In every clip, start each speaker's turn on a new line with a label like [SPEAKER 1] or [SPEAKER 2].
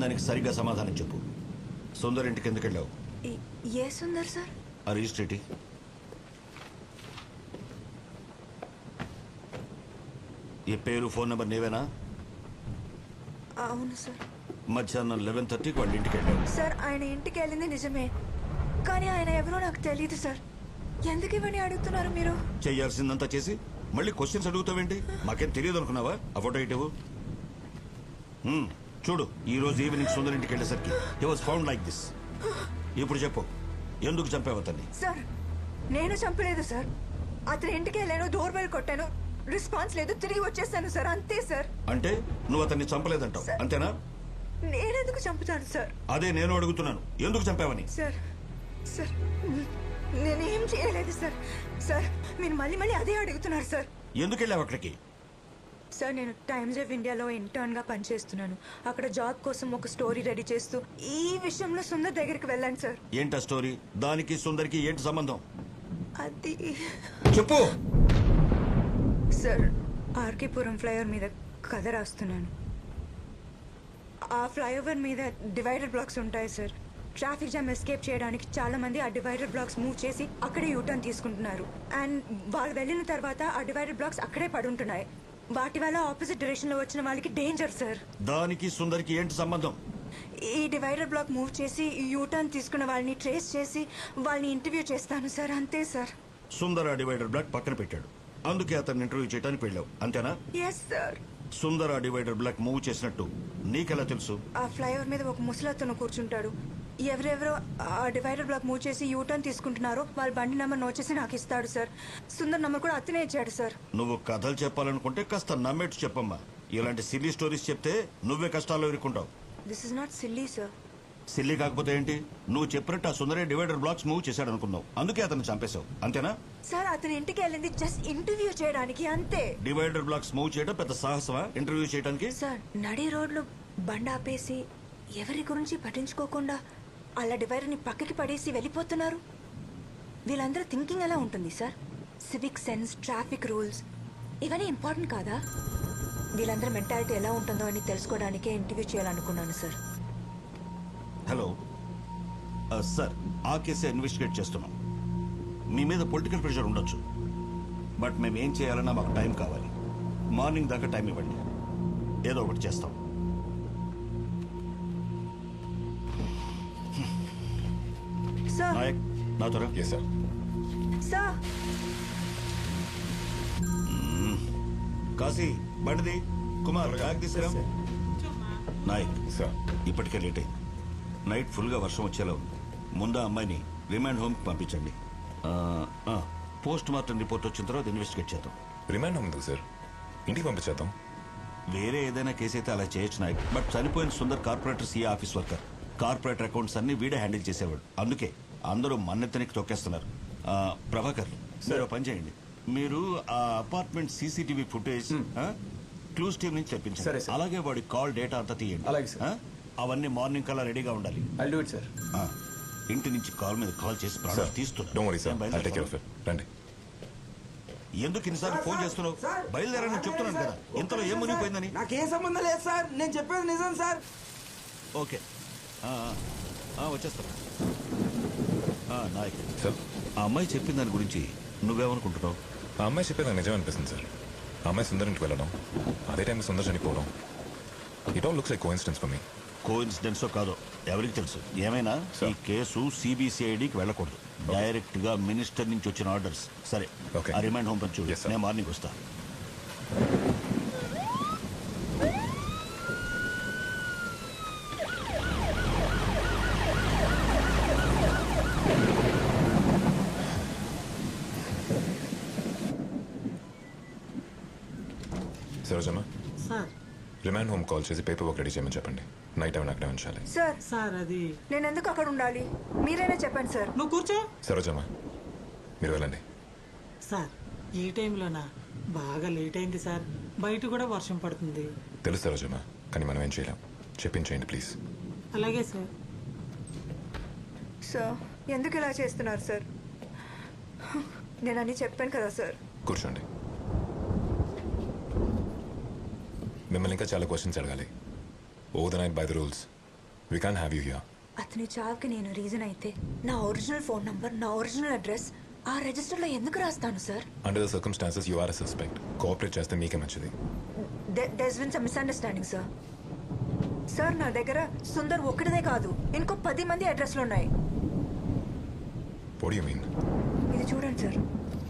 [SPEAKER 1] దానికి సరిగ్గా సమాధానం చెప్పు. సుందర్ ఇంటికి ఎందుకు వెళ్ళావు?
[SPEAKER 2] ఏ సుందర్ సార్?
[SPEAKER 1] ఆ రిజిస్ట్రేటి. ఈ పేరు ఫోన్ నెంబర్ నీవేనా?
[SPEAKER 2] అవును సార్.
[SPEAKER 1] మధ్యాహ్నం 11:30కి వాళ్ళ ఇంటికి వెళ్ళావు.
[SPEAKER 2] సార్ ఆయన ఇంటికి వెళ్ళింది నిజమే, కానీ ఆయన ఎవరో నాకు తెలియదు సార్. ఎందుకు ఇవన్నీ అడుగుతున్నారు మీరు?
[SPEAKER 1] చేయాల్సిందంతా చేసి మళ్ళీ క్వశ్చన్స్ అడుగుతావేంటి? మాకేం తెలియదు అనుకున్నావా? ఆ ఫోటో ఇటు చూడు. ఈ రోజు ఈవినింగ్ సుందర్ ఇంటికి వెళ్ళేసరికి he was found like this. ఇప్పుడు చెప్పు, ఎందుకు చంపావు అతన్ని?
[SPEAKER 2] సార్ నేను చంపలేదు సార్. అతని ఇంటికి వెళ్ళాను, డోర్ బెల్ కొట్టాను, రెస్పాన్స్ లేదు, తిరిగి వచ్చేసాను సార్, అంతే సార్.
[SPEAKER 1] అంటే నువ్వు అతన్ని చంపలేదంటావు, అంతేనా?
[SPEAKER 2] నేనెందుకు చంపుతాను సార్?
[SPEAKER 1] అదే నేను అడుగుతున్నాను, ఎందుకు చంపావని.
[SPEAKER 2] సార్ సార్ నేనేం చేయలేదు సార్. సార్ మీరు మళ్ళీ మళ్ళీ అదే అడుగుతున్నారు సార్.
[SPEAKER 1] ఎందుకు వెళ్ళావు అక్కడికి?
[SPEAKER 2] సార్ నేను టైమ్స్ ఆఫ్ ఇండియాలో ఇంటర్న్గా పనిచేస్తున్నాను. అక్కడ జాబ్ కోసం ఒక స్టోరీ రెడీ చేస్తూ ఈ విషయంలో సుందర్ దగ్గరికి వెళ్ళాను సార్.
[SPEAKER 1] ఏంటా స్టోరీ? దానికి సుందర్కి ఏంటి సంబంధం?
[SPEAKER 2] అది
[SPEAKER 1] చెప్పు
[SPEAKER 2] సార్. ఆర్కేపురం ఫ్లైఓవర్ మీద కథ రాస్తున్నాను. ఆ ఫ్లైఓవర్ మీద డివైడర్ బ్లాక్స్ ఉంటాయి సార్. ట్రాఫిక్ జామ్ ఎస్కేప్ చేయడానికి చాలా మంది ఆ డివైడర్ బ్లాక్స్ మూవ్ చేసి అక్కడే యూటర్న్ తీసుకుంటున్నారు. అండ్ వాళ్ళు వెళ్ళిన తర్వాత ఆ డివైడర్ బ్లాక్స్ అక్కడే పడుంటున్నాయి. వాటి వల్ల ఆపోజిట్ డైరెక్షన్ లో వచ్చిన వాళ్ళకి డేంజర్ సార్.
[SPEAKER 1] దానికి సుందర్కి ఏంటి సంబంధం?
[SPEAKER 2] ఈ డివైడర్ బ్లాక్ మూవ్ చేసి యూటర్న్ తీసుకున్న వాళ్ళని ట్రేస్ చేసి వాళ్ళని ఇంటర్వ్యూ చేస్తాను సార్, అంతే సార్.
[SPEAKER 1] సుందర్ ఆ డివైడర్ బ్లాక్ పక్కన పెట్టాడు, అందుకే అతన్ని ఇంటర్వ్యూ చేయడానికి వెళ్ళావు, అంతేనా?
[SPEAKER 2] Yes sir.
[SPEAKER 1] సుందర్ ఆ డివైడర్ బ్లాక్ మూవ్ చేసినట్టు నీకెలా తెలుసు?
[SPEAKER 2] ఆ ఫ్లైఓవర్ మీద ఒక ముసలతను కూర్చుంటాడు. ఎవరెవరో ఆ డివైడర్ బ్లాక్ మూవ్ చేసి యూటర్న్ తీసుకుంటున్నారో వాళ్ళ బండి నెంబర్ నోట్ చేసి నాకు ఇస్తాడు సార్. సుందర్ నెంబర్ కూడా అతనే ఇచ్చాడు సార్.
[SPEAKER 1] నువ్వు కథలు చెప్పాలనుకుంటే కాస్త నమ్మేట్టు చెప్పమ్మా. ఇలాంటి సిల్లీ స్టోరీస్ చెప్తే నువ్వే కష్టాల్లో ఇరుక్కుంటావు.
[SPEAKER 2] This is not silly sir.
[SPEAKER 1] Silly కాకపోతే ఏంటి? నువ్వు చెప్పినట్టు ఆ సుందరే డివైడర్ బ్లాక్స్ మూవ్ చేశాడు అనుకున్నావు, అందుకే అతను చంపేశావు, అంతేనా?
[SPEAKER 2] సార్ అతని ఇంటికి వెళ్ళింది జస్ట్ ఇంటర్వ్యూ చేయడానికి, అంతే.
[SPEAKER 1] డివైడర్ బ్లాక్స్ మూవ్ చేయడం పెద్ద సాహసమా ఇంటర్వ్యూ చేయడానికి?
[SPEAKER 2] సార్ నడి రోడ్లో బండి ఆపేసి ఎవరి గురించి పట్టించుకోకుండా అలా డివైడర్ని పక్కకి పడేసి వెళ్ళిపోతున్నారు. వీళ్ళందరూ థింకింగ్ ఎలా ఉంటుంది sir? Civic sense, traffic rules ఇవన్నీ ఇంపార్టెంట్ కాదా? వీళ్ళందరూ మెంటాలిటీ ఎలా ఉంటుందో అని తెలుసుకోవడానికే ఇంటర్వ్యూ చేయాలనుకున్నాను సార్.
[SPEAKER 1] హలో సార్, ఆ కేసే ఇన్వెస్టిగేట్ చేస్తున్నాం. మీ మీద పొలిటికల్ ప్రెషర్ ఉండొచ్చు, బట్ మేము ఏం చేయాలన్నా మాకు టైం కావాలి. మార్నింగ్ దాకా టైం ఇవ్వండి, ఏదో ఒకటి చేస్తాం.
[SPEAKER 2] సార్
[SPEAKER 1] నాయక్, నా త్వర.
[SPEAKER 3] సార్.
[SPEAKER 2] సార్
[SPEAKER 1] కాశీ బండిది, కుమార్ బ్యాగ్ తీసుకురా. నాయక్
[SPEAKER 3] సార్.
[SPEAKER 1] ఇప్పటికే లేట్ అయింది. నైట్ ఫుల్గా వర్షం వచ్చేలా ఉంది. ముందు అమ్మాయిని రిమాండ్ హోమ్కి పంపించండి. పోస్ట్ మార్టం రిపోర్ట్ వచ్చిన తర్వాత ఇన్వెస్టిగేట్ చేద్దాం.
[SPEAKER 3] రిమాండ్ హోమ్ ఎందుకు సార్? ఇంటికి పంపించేద్దాం.
[SPEAKER 1] వేరే ఏదైనా కేసు అయితే అలా చేయొచ్చు నాయక్, బట్ చనిపోయిన Sundar corporator CA office worker. Corporator accounts అన్ని వీడే హ్యాండిల్ చేసేవాడు, అందుకే అందరూ మన్నెత్తనికి తొక్కేస్తున్నారు. ప్రభాకర్, మీరు పని చేయండి. మీరు ఆ apartment CCTV footage clues team నుంచి తెప్పించండి. అలాగే వాడి కాల్ డేటా అంతా తీయండి. అవన్నీ మార్నింగ్ కల్లా రెడీగా ఉండాలి. ఇంటి నుంచి కాల్ మీద కాల్ చేసి ప్రాణాలు తీస్తున్నారు. ఎందుకు ఇన్నిసార్లు ఫోన్ చేస్తున్నావు? బయలుదేరని చెప్తున్నాను కదా, ఇంతలో ఏం మునిగిపోయిందని.
[SPEAKER 4] నాకేం సంబంధం లేదు సార్, నేను చెప్పేది నిజం సార్.
[SPEAKER 1] ఓకే, వచ్చేస్తాను. నాయక్, ఆ అమ్మాయి చెప్పిన దాని గురించి నువ్వేమనుకుంటున్నావు?
[SPEAKER 3] ఆ అమ్మాయి చెప్పేది నాకు నిజం అనిపిస్తుంది సార్. ఆ అమ్మాయి సుందర్ ఇంటికి వెళ్ళడం, అదే టైంలో సుందర్ చనిపోవడం, it all looks like coincidence for me.
[SPEAKER 1] కోఇన్సిడెన్సో కాదో ఎవరికి తెలుసు. ఏమైనా ఈ కేసు సిబిసిఐడికి వెళ్ళకూడదు, డైరెక్ట్ గా మినిస్టర్ నుంచి వచ్చిన ఆర్డర్స్. సరే, ఆ రిమాండ్ హోమ్ పంచు, నేను మార్నింగ్ వస్తా.
[SPEAKER 3] Sarojamma,
[SPEAKER 5] sir
[SPEAKER 3] remand home call చేసి పేపర్ వర్క్ రెడీ చేయమని చెప్పండి. నైట్ టైం అక్కడే ఉంచాలి.
[SPEAKER 2] సార్
[SPEAKER 5] సార్ అది
[SPEAKER 2] నేను ఎందుకు అక్కడ ఉండాలి? మీరైనా చెప్పండి సార్.
[SPEAKER 5] నువ్వు కూర్చో.
[SPEAKER 3] సరోజమ్మ, మీరు వెళ్ళండి.
[SPEAKER 5] సార్ ఈ టైంలోనా? బాగా లేట్ అయింది సార్, బయట కూడా వర్షం పడుతుంది.
[SPEAKER 3] తెలుసు సరోజమ్మ, కానీ మనం ఏం చేయలేం. చెప్పించేయండి ప్లీజ్.
[SPEAKER 5] అలాగే సార్.
[SPEAKER 2] సార్ ఎందుకు ఇలా చేస్తున్నారు సార్? నేను అన్నీ చెప్పాను కదా సార్.
[SPEAKER 3] కూర్చోండి. మిమ్మల్ని ఇంకా చాలా క్వశ్చన్స్ అడగాలి. Over the night by the rules we can have you here.
[SPEAKER 2] అతని చావుకి నేను రీజన్ అయితే నా ఒరిజినల్ ఫోన్ నంబర్, నా ఒరిజినల్ అడ్రస్ ఆ రిజిస్టర్లో ఎందుకు రాస్తాను sir?
[SPEAKER 3] Under the circumstances you are a suspect. Cooperate చేస్తే మీకే మంచిది.
[SPEAKER 2] There's been some misunderstanding sir. Sir నా దగ్గర సుందర్ ఒక్కడిదే కాదు, ఇంకో 10 మంది అడ్రస్లు ఉన్నాయి.
[SPEAKER 3] What you mean?
[SPEAKER 2] ఇది చూడండి సార్,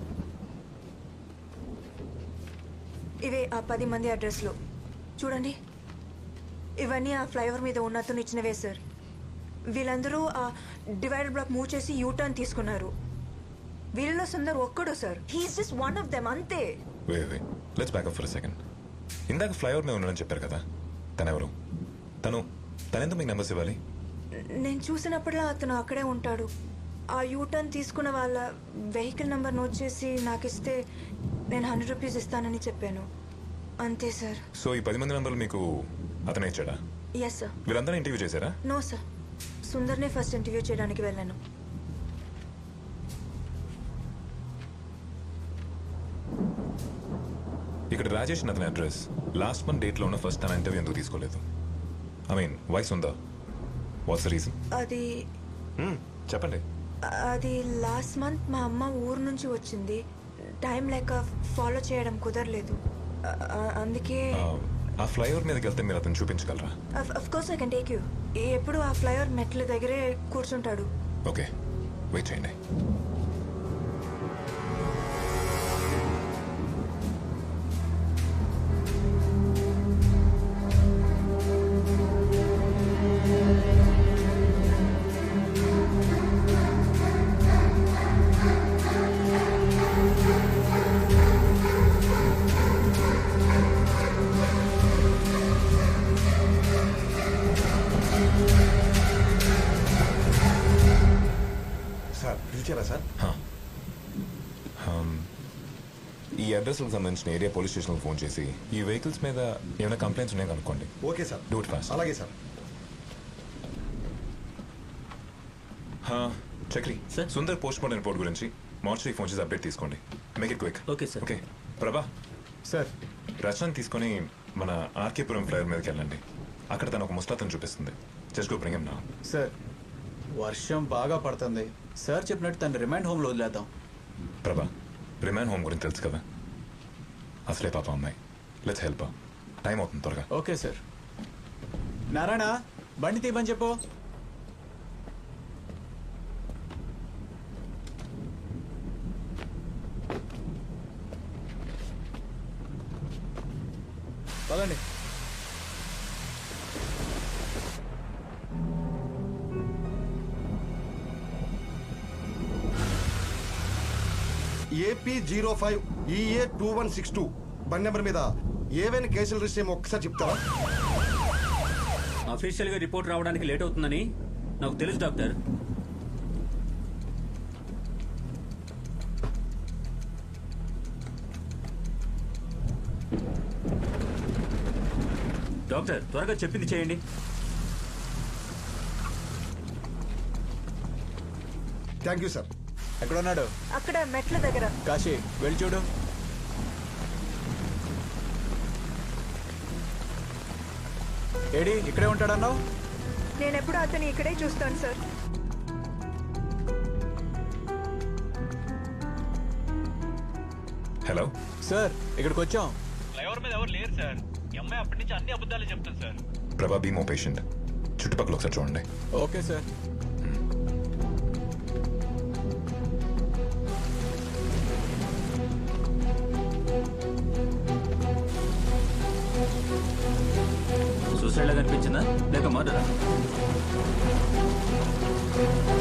[SPEAKER 2] ఇవే ఆ 10 మంది అడ్రస్లు చూడండి. ఇవన్నీ ఆ ఫ్లైఓవర్ మీద ఉన్న అతను ఇచ్చినవే సార్. వీళ్ళందరూ ఆ డివైడర్ బ్లాక్ మూవ్ చేసి యూటర్న్ తీసుకున్నారు. వీళ్ళలో సుందర్ ఒక్కడు sir. He is just one of them, అంతే.
[SPEAKER 3] Way let's back up for second. ఇందాక ఫ్లైఓవర్ మీద ఉన్నాడని చెప్పారు కదా, తనెవరు? తనెందుకు మీకు నెంబర్స్ ఇవ్వాలి?
[SPEAKER 2] నేను చూసినప్పుడల్లా అతను అక్కడే ఉంటాడు. ఆ యూటర్న్ తీసుకున్న వాళ్ళ వెహికల్ నెంబర్ నోట్ చేసి నాకు ఇస్తే నేను 100 రూపీస్ ఇస్తానని చెప్పాను, అంతే సార్.
[SPEAKER 3] సో ఈ 10 మంది నెంబర్లు మీకు అతనే ఇచ్చాడా?
[SPEAKER 2] Yes sir.
[SPEAKER 3] వీళ్ళందరూ ఇంటర్వ్యూ చేశారా?
[SPEAKER 2] నో సార్, సుందర్నే ఫస్ట్ ఇంటర్వ్యూ చేయడానికి వెళ్ళాను.
[SPEAKER 3] ఇక్కడ రాజేష్ అతని అడ్రస్ లాస్ట్ మంత్ డేట్లో ఉన్న ఫస్ట్ తన ఇంటర్వ్యూ ఎందుకు తీసుకోలేదు? ఐ మీన్ వైస్ ఉందా? What's the reason?
[SPEAKER 2] అది
[SPEAKER 3] చెప్పండి.
[SPEAKER 2] అది లాస్ట్ మంత్ మా అమ్మ ఊరు నుంచి వచ్చింది. టైం లేక ఫాలో చేయడం కుదరలేదు, అందుకే.
[SPEAKER 3] ఆ ఫ్లైఓవర్ మీదకి వెళ్తే మీరు అతను చూపించగలరా?
[SPEAKER 2] Of course I can take you. ఎప్పుడు ఆ ఫ్లైఓవర్ మెట్ల దగ్గరే కూర్చుంటాడు.
[SPEAKER 3] ఓకే, వెయిట్ చేయండి.
[SPEAKER 6] సార్ పిలిచారా సార్?
[SPEAKER 3] ఈ అడ్రస్కి సంబంధించిన ఏరియా పోలీస్ స్టేషన్కి ఫోన్ చేసి ఈ వెహికల్స్ మీద ఏమైనా కంప్లైంట్స్ ఉన్నాయో కనుక్కోండి.
[SPEAKER 6] Okay sir.
[SPEAKER 3] Do it fast.
[SPEAKER 6] అలాగే sir.
[SPEAKER 3] Chakri
[SPEAKER 7] sir.
[SPEAKER 3] Sundar post mortem report గురించి మార్చి ఫోన్ చేసి అప్డేట్ తీసుకోండి. Make it quick.
[SPEAKER 7] Okay sir.
[SPEAKER 3] Okay Prabha,
[SPEAKER 6] sir
[SPEAKER 3] Rachana తీసుకొని మన ఆర్కేపురం ఫ్లైఓవర్ మీదకి వెళ్ళండి. అక్కడ తను ఒక ముస్తాతను చూపిస్తుంది. Just go bring him now.
[SPEAKER 8] Sir వర్షం బాగా పడుతుంది సార్, చెప్పినట్టు తను రిమైండ్ హోమ్లో వదిలేద్దాం.
[SPEAKER 3] ప్రభా, రిమాండ్ హోమ్ గురించి తెలుసు కదా, అసలే పాప అమ్మాయి. Let's help. టైం అవుతుంది, త్వరగా.
[SPEAKER 8] Okay sir. నారాయణ బండి తీయమని చెప్పు. పదండి.
[SPEAKER 6] ఏపీ 05 EA 2162 బండి నెంబర్ మీద ఏవైనా కేసులు రిజిస్టర్ ఏమో ఒక్కసారి చెప్తారా?
[SPEAKER 7] అఫీషియల్గా రిపోర్ట్ రావడానికి లేట్ అవుతుందని నాకు తెలుసు డాక్టర్. డాక్టర్ త్వరగా చెప్పింది చేయండి.
[SPEAKER 6] Thank you sir.
[SPEAKER 8] ఎక్కడ ఉన్నాడు?
[SPEAKER 2] అక్కడ మెట్ల దగ్గర.
[SPEAKER 8] కాశీ వెళ్ళి చూడు. ఏడి ఇక్కడే ఉంటాడన్నావు?
[SPEAKER 2] నేను ఎప్పుడు అతన్ని ఇక్కడే చూస్తాను సార్.
[SPEAKER 3] హలో
[SPEAKER 8] సార్ ఇక్కడికి వచ్చాం.
[SPEAKER 9] ఫ్లైఓవర్ మీద ఎవరు లేరు సార్. ఈ అమ్మాయి అప్పటి నుంచి అన్ని అబద్ధాలు చెప్తుంది సార్.
[SPEAKER 3] ప్రభా, బీ మో పేషెంట్. చుట్టుపక్కల ఒకసారి చూడండి.
[SPEAKER 8] Okay sir.
[SPEAKER 7] సూసైడ్ లాగా అనిపించిందా లేక మర్డరా?